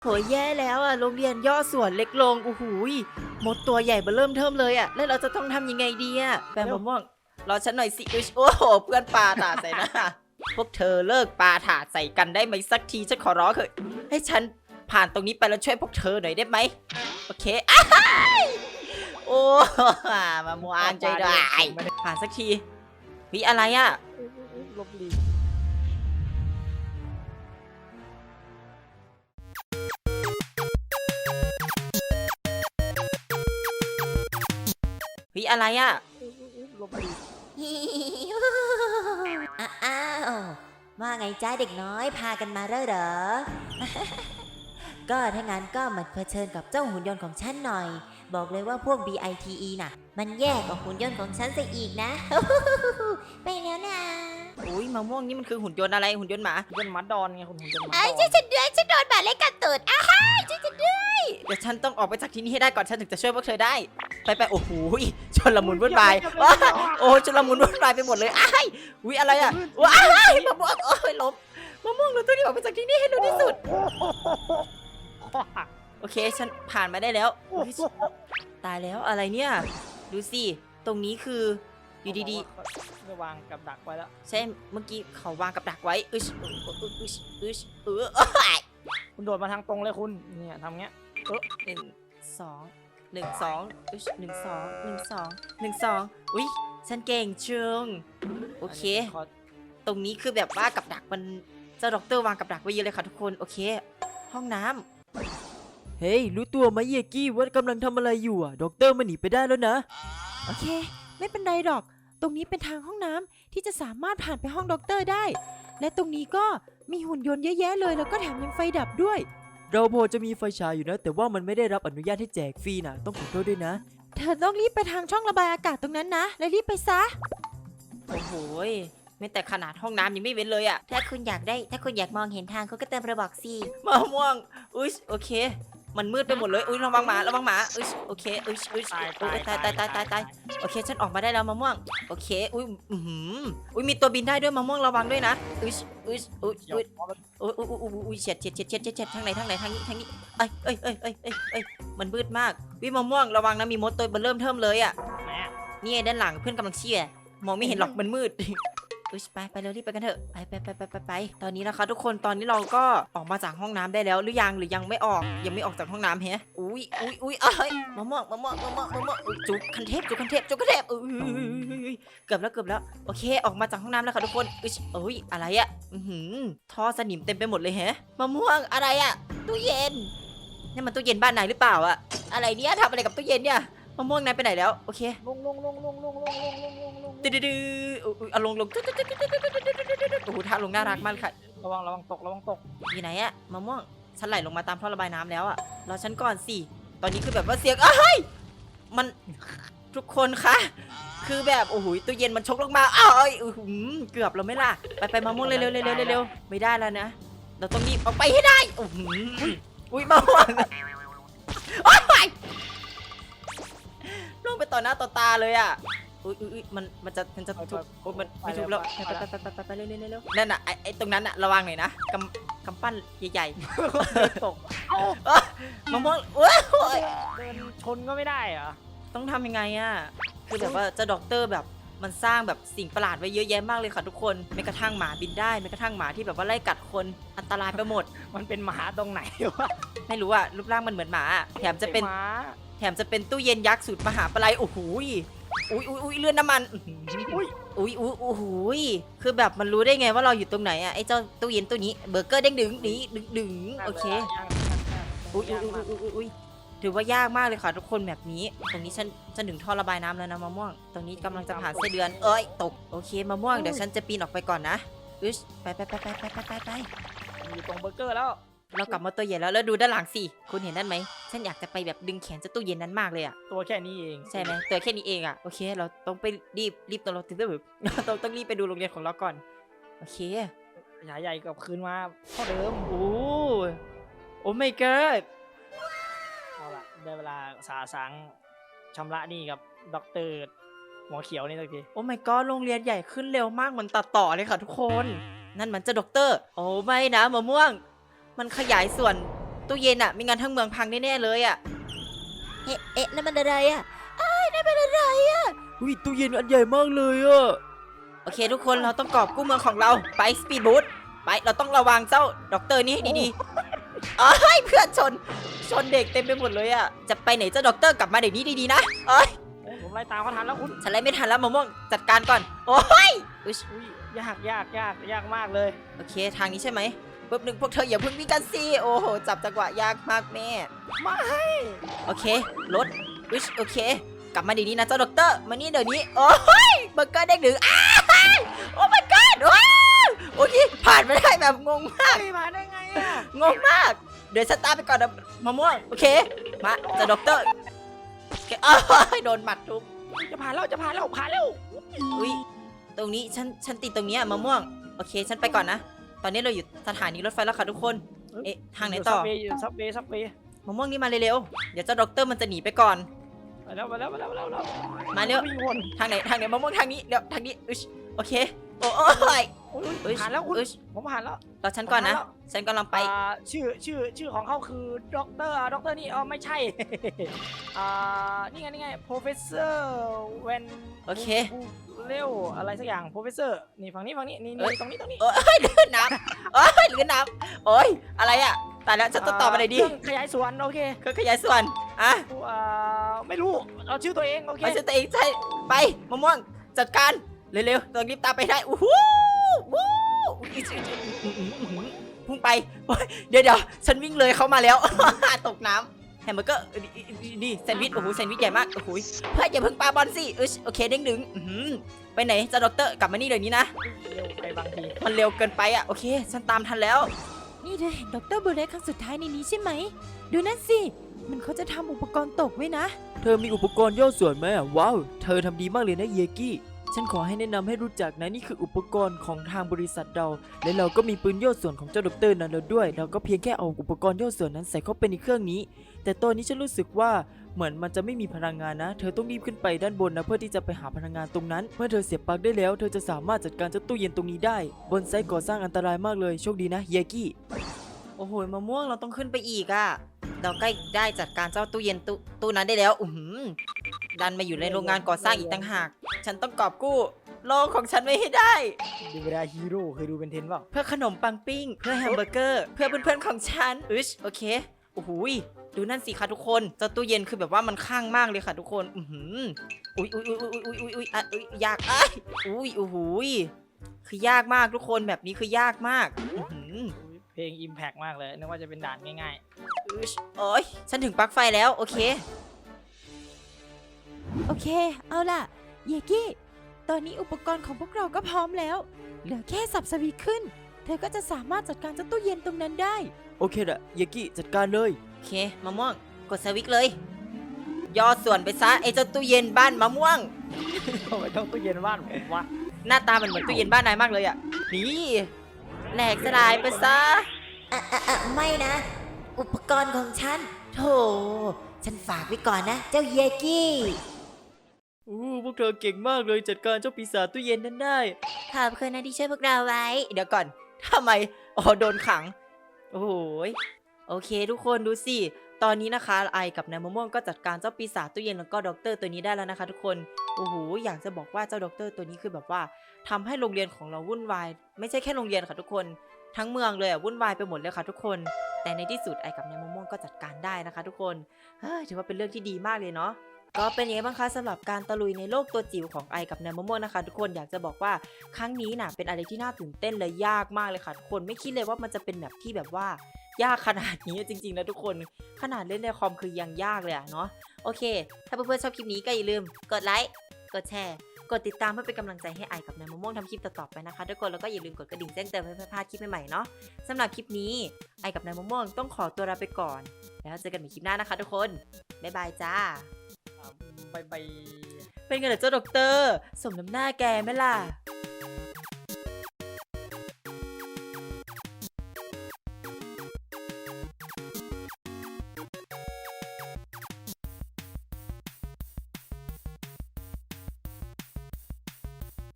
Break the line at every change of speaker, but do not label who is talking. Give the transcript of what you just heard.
โหยแย่แล้วอ่ะโรงเรียนย่อส่วนเล็กลงโอ้โหยมดตัวใหญ่เบ้อเริ่มเทิมเลยอ่ะแล้วเราจะต้องทำยังไงดีอ่ะแปมมะม่วงรอฉันหน่อยสิโอ้โหเพื่อนปาถาดใส่หน้าพวกเธอเลิกปาถาดใส่กันได้ไหมสักทีฉันขอร้องเถอะให้ฉันผ่านตรงนี้ไปแล้วช่วยพวกเธอหน่อยได้ไหมโอเคอ้ายโอ้มะม่วงใจได้ผ่านสักทีวิอะไรอ่ะ
ลบลี
วิอะไรอ่ะ
ลบลี
อ้าวว่าไงจ้าเด็กน้อยพากันมาแล้วเหรอ ก็ถ้างั้นก็มาเผชิญกับเจ้าหุ่นยนต์ของฉันหน่อย บอกเลยว่าพวก BITE น่ะ มันแย่กว่าหุ่นยนต์ของฉันซะอีกนะ ไปแล้วนะ
อุ้ยมะม่วงนี่มันคือหุ่นยนต์อะไรหุ่นยนต์หมา
เป็นมัดดอนไงคุณเป็นมัดด
ไอ้
อน
ช่วยฉันด้วยฉันโดนบาดเล็กกัดตูดอ้าวช่วยฉันด้วย
เดี๋ยวฉันต้องออกไปจากที่นี่ให้ได้ก่อนฉันถึงจะช่วยพวกเธอได้ ไปโอ้โหชนละมุนวุ่นวายว้าโอ้ชนละมุนวุ่นวายไปหมดเลยอ้ายอุ้ยอะไรอ่ะว้ายมะม่วงโอ้ยล้มมะม่วงเราต้องรีบออกไปจากที่นี่ให้เร็วที่สุดโอเคฉันผ่านมาได้แล้วอุ๊ยตายแล้วอะไรเนี่ยดูสิตรงนี้คืออยู่ดี
ๆจะวางกับดักไว้แล้ว
ๆใช่เมื่อกี้เขาวางกับดักไว้อึช
คุณโดดมาทางตรงเลยคุณเนี่ยทำเงี้ย
หนึ่งสองหนึ่งสองอึชหนึ่งสองหนึ่งสองหนึ่งสองอุ้ยฉันเก่งเชิงโอเค
ขอ
ตรงนี้คือแบบว่ากับดักมันเจ้าด็อกเตอร์วางกับดักไว้เยอะเลยค่ะทุกคนโอเค ห้องน้ำเฮ้ยรู้ตัวไหมเยกี้ว่ากำลังทำอะไรอยู่อ่ะด็อกเตอร์มันหนีไปได้แล้วนะโอเค ไม่เป็นไรหรอก ตรงนี้เป็นทางห้องน้ำที่จะสามารถผ่านไปห้องด็อกเตอร์ได้ และตรงนี้ก็มีหุ่นยนต์เยอะแยะเลยแล้วก็แถมยังไฟดับด้วย เราพอจะมีไฟฉายอยู่นะ แต่ว่ามันไม่ได้รับอนุญาตให้แจกฟรีนะต้องขอโทษด้วยนะเธอต้องรีบไปทางช่องระบายอากาศตรงนั้นนะและรีบไปซะโอ้โหไม่แต่ขนาดห้องน้ำยังไม่เว้นเลยอะ
ถ้าคุณอยากมองเห็นทางคุณก็เติมระบอกสิ
มะม่วงอุ้ยโอเค มันมืดไปหมดเลยอุ้ยระวังหมาอุ้ยโอเคอุ้ยตายโอเคฉันออกมาได้แล้วมะม่วงโอเคอุ้ยอุ้ยมีตัวบินได้ด้วยมะม่วงระวังด้วยนะอุ้ยเฉียดทางไหนทางนี้เอ้ยมันมืดมากวิมะม่วงระวังนะมีมดตัวมันเริ่มเทิมเลยอะนี่ด้านหลังเพื่อนกำลังเชี่ยมองไม่เห็นหรอกมันมืดไปเร็วรีบไปกันเถอะไปตอนนี้นะคะทุกคนตอนนี้เราก็ออกมาจากห้องน้ำได้แล้วหรือยังไม่ออกยังไม่ออกจากห้องน้ำแฮะอุ้ยเอ้ยมะม่วงจุกคันเทพเกือบแล้วโอเคออกมาจากห้องน้ำแล้วค่ะทุกคนอุ้ยอะไรอะท่อสนิมเต็มไปหมดเลยแฮะมะม่วงอะไรอะตู้เย็นนี่มันตู้เย็นบ้านไหนหรือเปล่าอะอะไรเนี่ยทำอะไรกับตู้เย็นเนี่ยมะม่วงนายไปไหนแล้วโอเค
ลง
ดื้อเอาลงโอ้โหท่าลงน่ารักมากค่ะ
ระวังตก
อยู่ไหนอะมะม่วงฉันไหลลงมาตามท่อระบายน้ำแล้วอะรอฉันก่อนสิตอนนี้คือแบบว่าเสียงเฮ้ยมันทุกคนคะคือแบบโอ้โหตู้เย็นมันชกลงมาเกือบเราไม่ล่ะไปมะม่วงเร็วไม่ได้แล้วนะเราต้องรีบออกไปให้ได้อุ้ยมะม่วงลงไปต่อหน้าต่อตาเลยอะมันจะทุบมันไม่ทุบแล้วไปเร็วนั่นน่ะไอ้ตรงนั้นน่ะระวังหน่อยนะกำปั้นใหญ่
ตก
ๆมะม่วง
เดินชนก็ไม่ได้เหรอ
ต้องทำยังไงอะคือแบบว่าเจ้าด็อกเตอร์แบบมันสร้างแบบสิ่งประหลาดไว้เยอะแยะมากเลยค่ะทุกคนแม้กระทั่งหมาบินได้แม้กระทั่งหมาที่แบบว่าไล่กัดคนอันตรายไปหมด
มันเป็นหมาตรงไหนวะ
ไม่รู้อะรูปร่างมันเหมือนหมาแถมจะเป็น
หมา
ตู้เย็นยักษ์สูตรมหาปลายโอ้โหอุ้ยเลื่อนน้ำมันอุ้ยคือแบบมันรู้ได้ไงว่าเราอยู่ตรงไหนอะไอ้เจ้าตู้เย็นตัวนี้เบอร์เกอร์เด้งดึงโอเคอุ้ยถือว่ายากมากเลยค่ะทุกคนแบบนี้ตรงนี้ฉันถึงท่อระบายน้ำแล้วนะมะม่วงตรงนี้กำลังจะผ่านไส้เดือนตกโอเคมะม่วงเดี๋ยวฉันจะปีนออกไปก่อนนะไป
อยู่ตรงเบอร์เกอร์แล้ว
เรากลับมาตัวใหญ่แล้วดูด้านหลังสิคุณเห็นนั่นไหมฉันอยากจะไปแบบดึงแขนเจ้าตู้เย็นนั้นมากเลยอะ
ตัวแค่นี้เอง
ใช่ไหมตัวแค่นี้เองอะโอเคเราต้องไปรีบตัวเราตื่นแบบ ต้องรีบไปดูโรงเรียนของเราก่อนโอเค
ขยายใหญ่กับคืนมาเท่าเดิม
โอ้ไม่เกิด
เอาล่ะได้เวลาสาสางชำระหนี่กับด็อกเตอร์หัวเขียวนี่สักที
โอ้ไม่ก็โรงเรียนใหญ่ขึ้นเร็วมากเหมือนตัดต่อเลยค่ะทุกคนนั่นมันจะด็อกเตอร์โอ้ไม่นะมะม่วงมันขยายส่วนตู้เย็นอะไม่งั้นทั้งเมืองพังแน่ๆเลยอะ
เอ๊ะนั่นมันอะไรอะนั่นมันอะไรอะ
อุ้ยตู้เย็นอันใหญ่มากเลยอะโอเคทุกคนเราต้องกอบกู้เมืองของเราไปสปีดบูทไปเราต้องระวังเจ้าด็อกเตอร์นี่ให้ดีๆเอ้ยเพื่อนชนเด็กเต็มไปหมดเลยอะจะไปไหนเจ้าด็อกเตอร์กลับมาเดี๋ยวนี้ดีๆนะเอ้ย
ผมไล่ตามเขาทันแล้วคุณ
ฉันไล่ไม่ทันแล้วมะม่วงจัดการก่อนโอ้ยอุ๊ย
อุ้ยยากมากเลย
โอเคทางนี้ใช่ไหมปุ๊บหนึ่งพวกเธออย่าเพิ่งวิ่งกันสิโอ้โหจับจังหวะยากมากแม่
ไม่
โอเครถอุ๊ยโอเค กลับมาเดี๋ยวนี้นะเจ้าด็อกเตอร์มานี่เดี๋ยวนี้โอ้ยเบอร์เกอร์เด้งดึงอ้าวโอ้ my god ว้าวโอเคผ่านไปได้แบบงงมาก
ไม่มาได้ไงอ่ะ
งงมาก เดี๋ยวฉันตามไปก่อนนะมะม่วงโอเคมาเจ้าด็อกเตอร์โอเคอ้าวโดนหมัดทุบ
จะผ่านแล้วผ่านแล้ว
อุ้ยตรงนี้ฉันติดตรงเนี้ยมะม่วงโอเคฉันไปก่อนนะ ตอนนี้เราอยู่สถานีรถไฟแล้วค่ะทุกคนเอ๊ะทางไหนต่อ
ซับเวย์
มะม่วงนี่มาเร็วๆเดี๋ยวเจ้าด็อกเตอร์มันจะหนีไปก่อน
ไปแล้ว
มาเร็ว
วิ่งวน
ทางไหนมะม่วงทางนี้เดี๋ยวทางนี้อุ๊ยโอเคโอ้ย อุ๊ย
ผ่านแล้วคุณ
อุ๊ย
ผมผ่านแล้ว
รอฉันก่อนนะ
ผ่านแล้ว
ฉันกำลังไป
ชื่อของเขาคือด็อกเตอร์นี่ไม่ใช่ นี่ไง professor เวน
โอเค
เร็วอะไรสักอย่าง professor นี่ฝั่งนี้นี่
เอ้ย
ตรงนี้
โอ้ยลื่นน้ำโอ้ยลื่นน้ำโอ้ยอะไรอะตายแล้วฉันต้องตอบอะไรดี
เครื่องขยายส่วนโอเค
เครื่องขยายส่วนอ่ะ
ไม่รู้เอาชื่อตัวเองโอเค
เอาชื่อตัวเองใช่ไปมะม่วงจัดการเร็วๆต้องรีบตามไปได้อู้หูวู้พุ่งไปโอ๊ยเดี๋ยวฉันวิ่งเลยเขามาแล้ว ตกน้ำแฮมเบอร์เกอร์นี่แซนด์วิชโอ้โหแซนด์วิชใหญ่มากโอ้โหเพื่อนอย่าเพิ่งปาบอลสิโอเคเด้งดึงไปไหนเจ้าด็อกเตอร์กลับมานี่เดี๋ยวนี้นะ
เร็วไปบางที
มันเร็วเกินไปอ่ะโอเคฉันตามทันแล้ว
นี่เธอเห็นดรบูเรสครั้งสุดท้ายในนี้ใช่ไหม ดูนั่นสิ มันเขาจะทำอุปกรณ์ตกไว้นะ
เธอมีอุปกรณ์ย่อส่วนไหมอ่ะว้าวเธอทำดีมากเลยนะเยกี้ฉันขอให้แนะนำให้รู้จักนะนี่คืออุปกรณ์ของทางบริษัทเรา และเราก็มีปืนย่อส่วนของเจ้าด็อกเตอร์นั้นแล้วด้วย เราก็เพียงแค่เอาอุปกรณ์ย่อส่วนนั้นใส่เข้าไปในเครื่องนี้ แต่ตอนนี้ฉันรู้สึกว่าเหมือนมันจะไม่มีพลังงานนะ เธอต้องรีบขึ้นไปด้านบนนะเพื่อที่จะไปหาพลังงานตรงนั้น เมื่อเธอเสียบปลั๊กได้แล้ว เธอจะสามารถจัดการเจ้าตู้เย็นตรงนี้ได้ บนไซต์ก่อสร้างอันตรายมากเลยโชคดีนะเยกี้
โอ้โหมะม่วงเราต้องขึ้นไปอีกอ่ะเราใกล้ได้จัดการเจ้าตู้เย็นตู้นั้นได้แล้วดันมาอยู่ในโรงงานก่อสร้างอีกต่างหาก ฉันต้องกอบกู้โลกของฉันไว้ให้ได้
ดูเวลาฮีโร่เคยดูเป็นเทนเปล่า
เพื่อขนมปังปิ้ง เพื่อแฮมเบอร์เกอร์ เพื่อเพื่อนๆของฉันโอเคโอ้โหดูนั่นสิคะทุกคนเจ้าตู้เย็นคือแบบว่ามันข้างมากเลยค่ะทุกคนอุ้ยยากโอ้โหคือยากมากทุกคนแบบนี้คือยากมาก
เพลง Impact มากเลยนึกว่าจะเป็นด่านง่าย
โอ้ยฉันถึงปลั๊กไฟแล้วโอเค
โอเค เอาล่ะ เยกี้ ตอนนี้อุปกรณ์ของพวกเราก็พร้อมแล้ว เหลือแค่สับสวิตช์ขึ้น เธอก็จะสามารถจัดการเจ้าตู้เย็นตรงนั้นได้
โอเคละเยกี้จัดการเลย
โอเคมะม่วงกดสวิตช์เลยย่อส่วนไปซะไอ้เจ้าตู้เย็นบ้านมะม่วง
ๆทำไมต้องตู้เย็นบ้านผมวะ
หน้าตามันเหมือนตู้เย็นบ้านนายมากเลยอ่ะนี่แหลกสลายไปซะ
ไม่นะ อุปกรณ์ของฉันโธ่ฉันฝากไว้ก่อนนะ เจ้าเยกี้
พวกเธอเก่งมากเลยจัดการเจ้าปีศาจตู้เย็นนั้นได้
ขอบคุณนะที่ช่วยพวกเราไว้
เดี๋ยวก่อนทำไมอ๋อโดนขังโอ้โหโอเคทุกคนดูสิตอนนี้นะคะไอกับนายมะม่วงก็จัดการเจ้าปีศาจตู้เย็นแล้วก็ด็อกเตอร์ตัวนี้ได้แล้วนะคะทุกคนโอ้โหอยากจะบอกว่าเจ้าด็อกเตอร์ตัวนี้คือแบบว่าทำให้โรงเรียนของเราวุ่นวายไม่ใช่แค่โรงเรียนค่ะทุกคนทั้งเมืองเลยอ่ะวุ่นวายไปหมดเลยค่ะทุกคนแต่ในที่สุดไอกับนายมะม่วงก็จัดการได้นะคะทุกคนถือว่าเป็นเรื่องที่ดีมากเลยเนาะก็เป็นยังไงบ้างคะสำหรับการตะลุยในโลกตัวจิ๋วของไอกับนายมะม่วงนะคะทุกคนอยากจะบอกว่าครั้งนี้น่ะเป็นอะไรที่น่าตื่นเต้นและยากมากเลยค่ะทุกคนไม่คิดเลยว่ามันจะเป็นแบบที่แบบว่ายากขนาดนี้จริงๆนะทุกคนขนาดเล่นในคอมคือยังยากเลยอะเนาะโอเคถ้าเพื่อนๆชอบคลิปนี้ก็อย่าลืมกดไลค์กดแชร์กดติดตามเพื่อเป็นกำลังใจให้ไอกับนายมะม่วงทำคลิปต่อๆไปนะคะทุกคนแล้วก็อย่าลืมกดกระดิ่งแจ้งเตือนเพื่อไม่พลาดคลิปใหม่ๆเนาะสำหรับคลิปนี้ไอกับนายมะม่วงต้องขอตัวลาไปก่อนแล้วเจอกันใหม่คลิปหน้านะคะทุกคนบ๊ายบายจ้า
ไป
เป็นไงล่ะเจ้าด็อกเตอร์สมน้ำหน้าแกไหมล่ะ